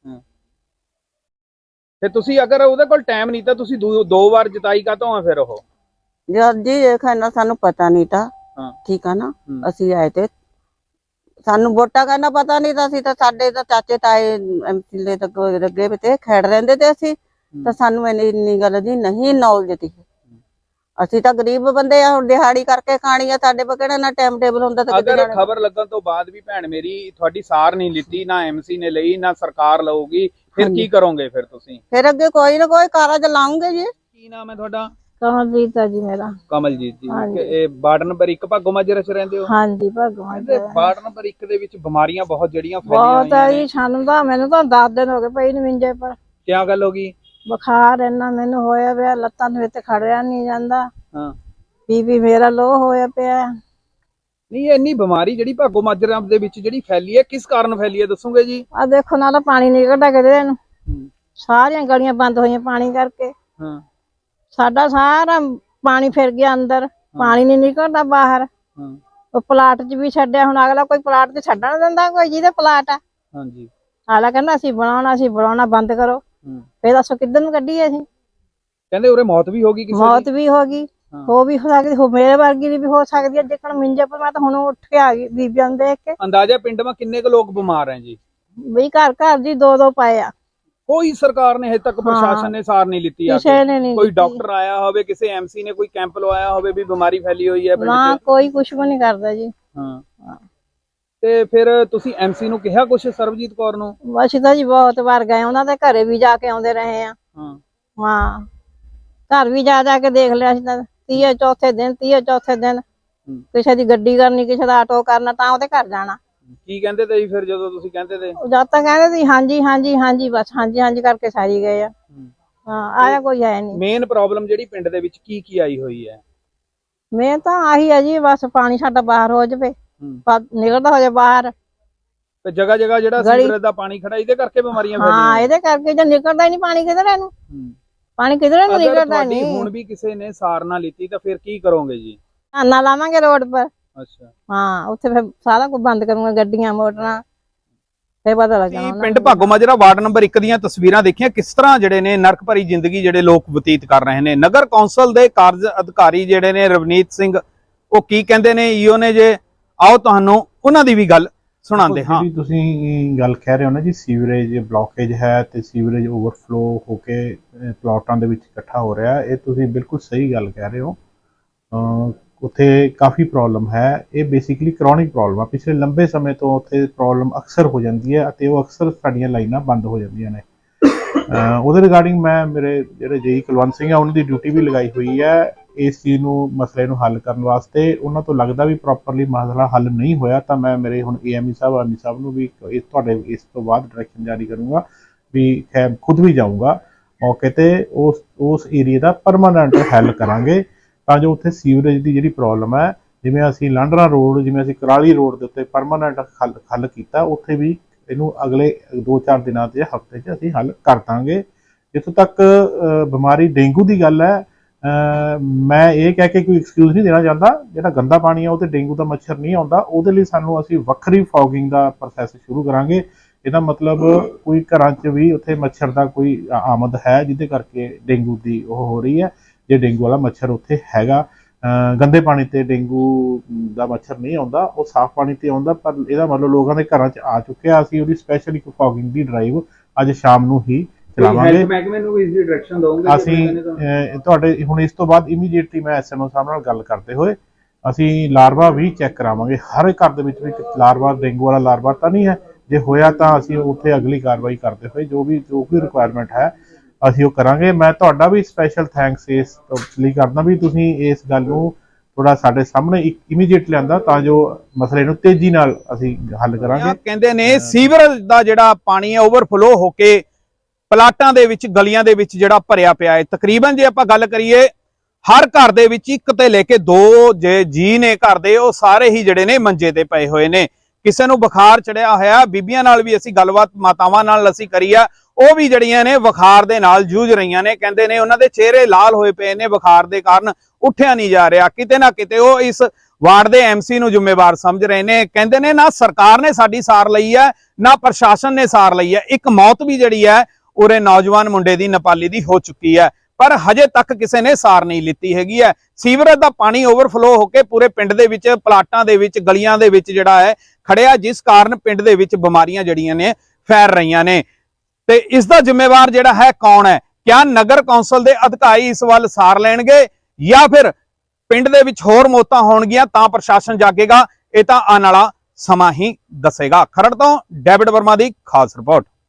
A: ਤੇ ਤੁਸੀਂ ਅਗਰ ਉਹਦੇ ਕੋਲ ਟਾਈਮ ਨਹੀਂ ਤਾਂ ਤੁਸੀਂ 2 ਵਾਰ ਜਿਤਾਈ ਕਾਤੋਂ ਆ ਫਿਰ? ਉਹ
E: ਜੀ ਦੇਖਣਾ ਸਾਨੂੰ ਪਤਾ ਨਹੀਂ ਤਾਂ, ਠੀਕ ਆ ਨਾ। ਅਸੀਂ ਆਏ ਤੇ ਸਾਨੂੰ ਵੋਟਾਂ ਕਰਨਾ ਪਤਾ ਨਹੀਂ ਤਾਂ, ਅਸੀਂ ਤਾਂ ਸਾਡੇ ਤਾਂ ਚਾਚੇ ਤਾਏ MC ਦੇ ਲੱਗੇ ਵੀ ਤੇ ਖੇਡ ਰਹਿੰਦੇ ਤੇ ਅਸੀਂ ਤਾਂ ਸਾਨੂੰ ਇੰਨੀ ਗੱਲ ਦੀ ਨਹੀਂ ਨੌਲੇਜ ਸੀ। ਅਸੀਂ ਤਾਂ ਗਰੀਬ ਬੰਦੇ ਆ, ਹੁਣ ਦਿਹਾੜੀ ਕਰਕੇ ਖਾਣੀ ਆ, ਸਾਡੇ ਕੋਲ ਕਿਹੜਾ ਨਾ ਟਾਈਮ ਟੇਬਲ ਹੁੰਦਾ। ਤਾਂ
A: ਅਗਰ ਖਬਰ ਲੱਗਣ ਤੋਂ ਬਾਅਦ ਵੀ ਭੈਣ ਮੇਰੀ ਤੁਹਾਡੀ ਸਾਰ ਨਹੀਂ ਲਿੱਤੀ, ਨਾ MC ਨੇ ਲਈ, ਨਾ ਸਰਕਾਰ ਲਊਗੀ, ਫਿਰ ਕੀ ਕਰੋਗੇ ਫਿਰ ਤੁਸੀਂ?
E: ਫਿਰ ਅੱਗੇ ਕੋਈ ਨਾ ਕੋਈ ਕਾਰਜ ਲਾਉਂਗੇ ਜੀ।
A: ਕੀ ਨਾਮ ਹੈ ਤੁਹਾਡਾ?
F: ਕਮਲਜੀਤ ਆ ਜੀ ਮੇਰਾ।
A: ਕਮਲਜੀਤ ਜੀ, ਇਹ ਵਾਰਡ ਨੰਬਰ 1 ਭਾਗੋ ਮਾਜਰੇ 'ਚ ਰਹਿੰਦੇ ਹੋ?
F: ਹਾਂਜੀ, ਭਾਗੋ ਮਾਜਰੇ।
A: ਵਾਰਡ ਨੰਬਰ 1 ਦੇ ਵਿੱਚ ਬਿਮਾਰੀਆਂ ਬਹੁਤ ਜਿਹੜੀਆਂ
F: ਬਹੁਤ
A: ਫੈਲੀਆਂ
F: ਆ ਜੀ। ਮੈਨੂੰ ਤਾਂ 10 ਦਿਨ ਹੋ ਗਏ ਪਈ ਨੂੰ ਮੰਜੇ ਪਰ।
A: ਕੀ ਗੱਲ ਹੋ ਗਈ?
F: ਬੁਖਾਰ ਇੰਨਾ ਮੈਨੂੰ ਹੋਇਆ ਪਿਆ, ਲੱਤਾਂ ਨੂੰ ਇੱਥੇ ਖੜਿਆ ਨਹੀਂ ਜਾਂਦਾ।
A: ਹਾਂ।
F: ਬੀਪੀ ਮੇਰਾ ਲੋ ਹੋਇਆ ਪਿਆ।
A: ਨਹੀਂ, ਇੰਨੀ ਬਿਮਾਰੀ ਜਿਹੜੀ ਭਾਗੋ ਮਾਜਰਾ ਦੇ ਵਿੱਚ ਜਿਹੜੀ ਫੈਲੀ ਹੈ, ਕਿਸ ਕਾਰਨ ਫੈਲੀ ਹੈ ਦੱਸੋਗੇ ਜੀ?
F: ਆ ਦੇਖੋ ਨਾ, ਤਾਂ ਪਾਣੀ ਨਿਕਲਦਾ ਕਿਤੇ ਨੂੰ, ਸਾਰੀਆਂ ਗਲੀਆਂ ਬੰਦ ਹੋਈਆਂ ਪਾਣੀ ਕਰਕੇ।
A: ਹਾਂ।
F: ਸਾਡਾ ਸਾਰਾ ਪਾਣੀ ਫਿਰ ਗਿਆ ਅੰਦਰ, ਪਾਣੀ ਨਹੀਂ ਨਿਕਲਦਾ ਬਾਹਰ। ਉਹ ਪਲਾਟ 'ਚ ਵੀ ਛੱਡਿਆ, ਹੁਣ ਅਗਲਾ ਕੋਈ ਪਲਾਟ 'ਚ ਛੱਡਣ ਦਿੰਦਾ? ਕੋਈ ਜਿਹਦੇ ਪਲਾਟ ਆ।
A: ਹਾਂਜੀ।
F: ਅਗਲਾ ਕਹਿੰਦਾ ਅਸੀਂ ਬਣਾਉਣਾ ਬੰਦ ਕਰੋ। ਫੇਰ ਦੱਸੋ ਕਿੱਧਰ ਨੂੰ ਕੱਢੀਏ ਅਸੀਂ?
A: ਕਹਿੰਦੇ ਉਰੇ ਮੌਤ ਵੀ ਹੋ ਗਈ ਕਿਸੇ ਦੀ?
F: ਮੌਤ ਵੀ ਹੋ ਗਈ। ਹੋ ਵੀ ਸਕਦੀ, ਹੋ ਮੇਰੇ ਵਰਗੀ ਦੀ ਵੀ ਹੋ ਸਕਦੀ ਹੈ। ਜੇਕਰ ਮਿੰਜੇ ਪਰ ਮੈਂ ਤਾਂ ਹੁਣ ਉੱਠ ਕੇ ਆ ਗਈ ਬੀਬੀਆਂ ਨੂੰ ਦੇਖ ਕੇ।
A: ਅੰਦਾਜ਼ਾ ਪਿੰਡ में किन्ने के लोग बीमार हैं जी?
F: ਬਈ ਘਰ ਘਰ ਜੀ ਦੋ ਦੋ ਪਏ ਆ।
A: कोई सरकार ने हजे तक प्रशासन ने सार नहीं लीती आके?
F: ਕਿਸੇ ਨੇ ਨਹੀਂ
A: कोई
F: ਕੀਤੀ।
A: डॉक्टर आया होवे, किसी एमसी ने कोई कैंप लवाया होवे भी बीमारी फैली हुई है पिंड
F: ਨਾ
A: च?
F: ਕੋਈ ਕੁਛ ਵੀ ਨਹੀਂ ਕਰਦਾ ਜੀ।
A: ਹਾਂ ਤੇ ਫਿਰ ਤੁਸੀਂ ਐਮਸੀ ਨੂੰ ਕਿਹਾ ਕੁਛ, ਸਰਬਜੀਤ ਕੌਰ ਨੂੰ?
F: ਅਸੀਂ ਤਾਂ ਜੀ ਬਹੁਤ ਵਾਰ ਗਏ, ਉਹਨਾਂ ਦੇ ਘਰੇ ਵੀ ਜਾ ਕੇ ਆਉਂਦੇ ਰਹੇ ਆ।
A: ਹਾਂ
F: ਹਾਂ ਘਰ ਵੀ ਜਾ ਜਾ ਕੇ ਦੇਖ ਲਿਆ ਸੀ ਤਾਂ 30 ਚੌਥੇ ਦਿਨ ਕਿਸੇ ਦੀ ਗੱਡੀ ਕਰਨੀ, ਕਿਸੇ ਦਾ ਆਟੋ ਕਰਨਾ, ਤਾਂ ਉਹਦੇ ਘਰ ਜਾਣਾ।
A: ਕੀ ਕਹਿੰਦੇ ਤੇ ਜੀ ਫਿਰ ਜਦੋਂ ਤੁਸੀਂ ਕਹਿੰਦੇ ਤੇ?
F: ਜਦ ਤੱਕ ਕਹਿੰਦੇ ਸੀ ਹਾਂਜੀ ਹਾਂਜੀ ਹਾਂਜੀ, ਬਸ ਹਾਂਜੀ ਹਾਂਜੀ ਕਰਕੇ ਸਾਰੀ ਗਏ ਆ। ਹਾਂ ਆਇਆ ਕੋਈ ਹੈ ਨਹੀਂ।
A: ਮੇਨ ਪ੍ਰੋਬਲਮ ਜਿਹੜੀ ਪਿੰਡ ਦੇ ਵਿੱਚ ਕੀ ਆਈ ਹੋਈ ਹੈ?
F: ਮੈਂ ਤਾਂ ਆਹੀ ਹੈ ਜੀ, ਬਸ ਪਾਣੀ ਸਾਡਾ ਬਾਹਰ ਹੋ ਜਾਵੇ, ਨਿਕਲਦਾ ਹੋ ਜਾਵੇ ਬਾਹਰ।
A: ਤੇ ਜਗ੍ਹਾ ਜਗ੍ਹਾ ਜਿਹੜਾ ਸੀਵਰੇਜ ਦਾ ਪਾਣੀ ਖੜਾ, ਇਹਦੇ ਕਰਕੇ ਬਿਮਾਰੀਆਂ ਫੈਲੀਆਂ?
F: ਹਾਂ ਇਹਦੇ ਕਰਕੇ, ਜੇ ਨਿਕਲਦਾ ਹੀ ਨਹੀਂ ਪਾਣੀ ਕਿਧਰੇ ਨੂੰ, ਪਾਣੀ ਕਿਧਰੇ ਨੂੰ ਨਿਕਲਦਾ
A: ਤੁਹਾਡੀ
F: ਨਹੀਂ।
A: ਹੁਣ ਵੀ ਕਿਸੇ ਨੇ ਸਾਰ ਨਾ ਲਿੱਤੀ ਤਾਂ ਫਿਰ ਕੀ ਕਰੋਗੇ ਜੀ?
F: ਧਾਨਾ ਲਾਵਾਂਗੇ ਰੋਡ ਪਰ।
A: ਅੱਛਾ
F: ਹਾਂ ਉੱਥੇ ਫਿਰ ਸਾਰਾ ਕੁਝ ਬੰਦ ਕਰੂੰਗਾ, ਗੱਡੀਆਂ ਮੋਟਰਾਂ, ਫੇਰ ਪਤਾ ਲੱਗਣਾ।
A: ਪਿੰਡ ਭਾਗੋ ਮਾਜਰਾ ਵਾਰਡ ਨੰਬਰ 1 ਦੀਆਂ ਤਸਵੀਰਾਂ ਦੇਖੀਆਂ, ਕਿਸ ਤਰ੍ਹਾਂ ਜਿਹੜੇ ਨੇ ਨਰਕ ਭਰੀ ਜ਼ਿੰਦਗੀ ਜਿਹੜੇ ਲੋਕ ਬਤੀਤ ਕਰ ਰਹੇ ਨੇ। ਨਗਰ ਕੌਂਸਲ ਦੇ ਕਾਰਜ ਅਧਿਕਾਰੀ ਜਿਹੜੇ ਨੇ ਰਵਨੀਤ ਸਿੰਘ, ਉਹ ਕੀ ਕਹਿੰਦੇ ਨੇ ਈਓ ਨੇ ਜੇ, ਆਓ ਤੁਹਾਨੂੰ ਉਹਨਾਂ ਦੀ ਵੀ ਗੱਲ ਸੁਣਾਉਂਦੇ ਹਾਂ।
G: ਜਿਹੜੀ ਤੁਸੀਂ ਗੱਲ ਕਹਿ ਰਹੇ ਹੋ ਨਾ ਜੀ, ਸੀਵਰੇਜ ਬਲੌਕੇਜ ਹੈ ਤੇ ਸੀਵਰੇਜ ਓਵਰਫਲੋ ਹੋ ਕੇ ਪਲਾਟਾਂ ਦੇ ਵਿੱਚ ਇਕੱਠਾ ਹੋ ਰਿਹਾ, ਇਹ ਤੁਸੀਂ ਬਿਲਕੁਲ ਸਹੀ ਗੱਲ ਕਹਿ ਰਹੇ ਹੋ। ਉੱਥੇ ਕਾਫੀ ਪ੍ਰੋਬਲਮ ਹੈ। ਇਹ ਬੇਸਿਕਲੀ ਕਰੋਨਿਕ ਪ੍ਰੋਬਲਮ ਆ, ਪਿਛਲੇ ਲੰਬੇ ਸਮੇਂ ਤੋਂ ਉੱਥੇ ਪ੍ਰੋਬਲਮ ਅਕਸਰ ਹੋ ਜਾਂਦੀ ਹੈ ਅਤੇ ਉਹ ਅਕਸਰ ਸਾਡੀਆਂ ਲਾਈਨਾਂ ਬੰਦ ਹੋ ਜਾਂਦੀਆਂ ਨੇ। ਉਹਦੇ ਰਿਗਾਰਡਿੰਗ ਮੈਂ ਮੇਰੇ ਜਿਹੜੇ ਜੇਈ ਕੁਲਵੰਤ ਸਿੰਘ ਆ, ਉਹਨਾਂ ਦੀ ਡਿਊਟੀ ਵੀ ਲਗਾਈ ਹੋਈ ਹੈ ਇਸ ਚੀਜ਼ ਨੂੰ, ਮਸਲੇ ਨੂੰ ਹੱਲ ਕਰਨ ਵਾਸਤੇ। ਉਹਨਾਂ ਤੋਂ ਲੱਗਦਾ ਵੀ ਪ੍ਰੋਪਰਲੀ ਮਸਲਾ ਹੱਲ ਨਹੀਂ ਹੋਇਆ ਤਾਂ ਮੈਂ ਮੇਰੇ ਹੁਣ ਏਐਮਈ ਸਾਹਿਬ, ਆਰਮੀ ਸਾਹਿਬ ਨੂੰ ਵੀ ਤੁਹਾਡੇ ਇਸ ਤੋਂ ਬਾਅਦ ਡਾਇਰੈਕਸ਼ਨ ਜਾਰੀ ਕਰੂੰਗਾ ਵੀ ਖੁਦ ਵੀ ਜਾਊਂਗਾ ਮੌਕੇ ਤੇ, ਉਸ ਏਰੀਏ ਦਾ ਪਰਮਾਨੈਂਟ ਹੱਲ ਕਰਾਂਗੇ ਤਾਂ ਜੋ ਉੱਥੇ ਸੀਵਰੇਜ ਦੀ ਜਿਹੜੀ ਪ੍ਰੋਬਲਮ ਹੈ, ਜਿਵੇਂ ਅਸੀਂ ਲਾਂਡਰਾ ਰੋਡ, ਜਿਵੇਂ ਅਸੀਂ ਕਰਾਲੀ ਰੋਡ ਦੇ ਉੱਤੇ ਪਰਮਾਨੈਂਟ ਹੱਲ ਕੀਤਾ, ਉੱਥੇ ਵੀ ਇਹਨੂੰ ਅਗਲੇ 2-4 ਦਿਨਾਂ ਤੇ ਹਫ਼ਤੇ 'ਚ ਅਸੀਂ ਹੱਲ ਕਰ ਦਾਂਗੇ। ਜਿੱਥੋਂ ਤੱਕ ਬਿਮਾਰੀ ਡੇਂਗੂ ਦੀ ਗੱਲ ਹੈ, ਮੈਂ ਇਹ ਕਹਿ ਕੇ ਕੋਈ ਐਕਸਕਿਊਜ਼ ਨਹੀਂ ਦੇਣਾ ਚਾਹੁੰਦਾ। ਜਿਹੜਾ ਗੰਦਾ ਪਾਣੀ ਆ ਉਹ ਤੇ ਡੇਂਗੂ ਦਾ ਮੱਛਰ ਨਹੀਂ ਆਉਂਦਾ, ਉਹਦੇ ਲਈ ਅਸੀਂ ਵੱਖਰੀ ਫੌਗਿੰਗ ਦਾ ਪ੍ਰੋਸੈਸ ਸ਼ੁਰੂ ਕਰਾਂਗੇ। ਇਹਦਾ ਮਤਲਬ ਕੋਈ ਘਰਾਂ 'ਚ ਵੀ ਉੱਥੇ ਮੱਛਰ ਦਾ ਕੋਈ ਆਮਦ ਹੈ ਜਿਹਦੇ ਕਰਕੇ ਡੇਂਗੂ ਦੀ ਉਹ ਹੋ ਰਹੀ ਹੈ। ਜੇ ਡੇਂਗੂ ਵਾਲਾ ਮੱਛਰ ਉੱਥੇ ਹੈਗਾ, ਗੰਦੇ ਪਾਣੀ ਤੇ ਡੇਂਗੂ ਦਾ ਮੱਛਰ ਨਹੀਂ ਆਉਂਦਾ, ਉਹ ਸਾਫ਼ ਪਾਣੀ ਤੇ ਆਉਂਦਾ, ਪਰ ਇਹਦਾ ਮਤਲਬ ਲੋਕਾਂ ਦੇ ਘਰਾਂ 'ਚ ਆ ਚੁੱਕਿਆ। ਅਸੀਂ ਉਹਦੀ ਸਪੈਸ਼ਲ ਇੱਕ ਫੌਗਿੰਗ ਦੀ ਡਰਾਈਵ ਅੱਜ ਸ਼ਾਮ ਨੂੰ ਹੀ ਚਲਾਵਾਂਗੇ।
A: ਮਹਿਕਮੇ ਨੂੰ ਵੀ ਇਸ ਦੀ ਡਾਇਰੈਕਸ਼ਨ ਦਵਾਂਗੇ
G: ਅਸੀਂ ਤੁਹਾਡੇ ਹੁਣ ਇਸ ਤੋਂ ਬਾਅਦ ਇਮੀਡੀਏਟਲੀ ਮੈਂ ਐਸਐਮਓ ਸਾਹਿਬ ਨਾਲ ਗੱਲ ਕਰਦੇ ਹੋਏ ਅਸੀਂ ਲਾਰਵਾ ਵੀ ਚੈੱਕ ਕਰਾਵਾਂਗੇ। ਹਰ ਘਰ ਦੇ ਵਿੱਚ ਵੀ ਲਾਰਵਾ, ਡੇਂਗੂ ਵਾਲਾ ਲਾਰਵਾ ਤਾਂ ਨਹੀਂ ਹੈ, ਜੇ ਹੋਇਆ ਤਾਂ ਅਸੀਂ ਉੱਥੇ ਅਗਲੀ ਕਾਰਵਾਈ ਕਰਦੇ ਹੋਏ ਜੋ ਵੀ ਰਿਕੁਆਇਰਮੈਂਟ ਹੈ ਅਸੀਂ ਉਹ ਕਰਾਂਗੇ। ਮੈਂ ਤੁਹਾਡਾ ਵੀ ਸਪੈਸ਼ਲ ਥੈਂਕਸ ਇਸ ਲਈ ਕਰਦਾ ਵੀ ਤੁਸੀਂ ਇਸ ਗੱਲ ਨੂੰ ਥੋੜਾ ਸਾਡੇ ਸਾਹਮਣੇ ਇਮੀਡੀਏਟ ਲਿਆਂਦਾ ਤਾਂ ਜੋ ਮਸਲੇ ਨੂੰ ਤੇਜ਼ੀ ਨਾਲ ਅਸੀਂ ਹੱਲ ਕਰਾਂਗੇ।
A: ਕਹਿੰਦੇ ਨੇ ਸੀਵਰੇਜ ਦਾ ਜਿਹੜਾ ਪਾਣੀ ਹੈ ਓਵਰਫਲੋ ਹੋ ਕੇ ਪਲਾਟਾਂ ਦੇ ਵਿੱਚ, ਗਲੀਆਂ ਦੇ ਵਿੱਚ ਜਿਹੜਾ ਭਰਿਆ ਪਿਆ ਹੈ। ਤਕਰੀਬਨ ਜੇ ਆਪਾਂ ਗੱਲ ਕਰੀਏ, ਹਰ ਘਰ ਦੇ ਵਿੱਚ 1 ਤੇ ਲੈ ਕੇ 2 ਜੇ ਜੀ ਨੇ ਘਰ ਦੇ, ਉਹ ਸਾਰੇ ਹੀ ਜਿਹੜੇ ਨੇ ਮੰਜੇ ਤੇ ਪਏ ਹੋਏ ਨੇ। ਕਿਸੇ ਨੂੰ ਬੁਖਾਰ ਚੜਿਆ ਹੋਇਆ, ਬੀਬੀਆਂ ਨਾਲ ਵੀ ਅਸੀਂ ਗੱਲਬਾਤ ਮਾਤਾਵਾਂ ਨਾਲ ਅਸੀਂ ਕਰੀ ਆ, ਉਹ ਵੀ ਜਿਹੜੀਆਂ ਨੇ ਬੁਖਾਰ ਦੇ ਨਾਲ ਜੂਝ ਰਹੀਆਂ ਨੇ। ਕਹਿੰਦੇ ਨੇ ਉਹਨਾਂ ਦੇ ਚਿਹਰੇ ਲਾਲ ਹੋਏ ਪਏ ਨੇ ਬੁਖਾਰ ਦੇ ਕਾਰਨ, ਉੱਠਿਆ ਨਹੀਂ ਜਾ ਰਿਹਾ। ਕਿਤੇ ਨਾ ਕਿਤੇ ਉਹ ਇਸ ਵਾਰਡ ਦੇ ਐਮਸੀ ਨੂੰ ਜ਼ਿੰਮੇਵਾਰ ਸਮਝ ਰਹੇ ਨੇ। ਕਹਿੰਦੇ ਨੇ ਨਾ ਸਰਕਾਰ ਨੇ ਸਾਡੀ ਸਾਰ ਲਈ ਹੈ, ਨਾ ਪ੍ਰਸ਼ਾਸਨ ਨੇ ਸਾਰ ਲਈ ਹੈ। ਇੱਕ ਮੌਤ ਵੀ ਜਿਹੜੀ ਹੈ ਉਰੇ ਨੌਜਵਾਨ ਮੁੰਡੇ ਦੀ, ਨੇਪਾਲੀ ਦੀ ਹੋ ਚੁੱਕੀ ਹੈ, ਪਰ ਹਜੇ ਤੱਕ ਕਿਸੇ ਨੇ ਸਾਰ ਨਹੀਂ ਲਿੱਤੀ ਹੈਗੀ ਹੈ। ਸੀਵਰੇਜ ਦਾ ਪਾਣੀ ਓਵਰਫਲੋ ਹੋ ਕੇ ਪੂਰੇ ਪਿੰਡ ਦੇ ਵਿੱਚ, ਪਲਾਟਾਂ ਦੇ ਵਿੱਚ, ਗਲੀਆਂ ਦੇ ਵਿੱਚ ਜਿਹੜਾ ਹੈ ਖੜਿਆ, ਜਿਸ ਕਾਰਨ ਪਿੰਡ ਦੇ ਵਿੱਚ ਬਿਮਾਰੀਆਂ ਜਿਹੜੀਆਂ ਨੇ ਫੈਲ ਰਹੀਆਂ ਨੇ। ਤੇ ਇਸ ਦਾ ਜ਼ਿੰਮੇਵਾਰ ਜਿਹੜਾ ਹੈ ਕੌਣ ਹੈ? ਕਿਆ ਨਗਰ ਕੌਂਸਲ ਦੇ ਅਧਿਕਾਰੀ ਇਸ ਵੱਲ ਸਾਰ ਲੈਣਗੇ ਜਾਂ ਫਿਰ ਪਿੰਡ ਦੇ ਵਿੱਚ ਹੋਰ ਮੌਤਾਂ ਹੋਣਗੀਆਂ ਤਾਂ ਪ੍ਰਸ਼ਾਸਨ ਜਾਗੇਗਾ? ਇਹ ਤਾਂ ਆਉਣ ਵਾਲਾ ਸਮਾਂ ਹੀ ਦੱਸੇਗਾ। ਖਰੜ ਤੋਂ ਡੇਵਿਡ ਵਰਮਾ ਦੀ ਖਾਸ ਰਿਪੋਰਟ।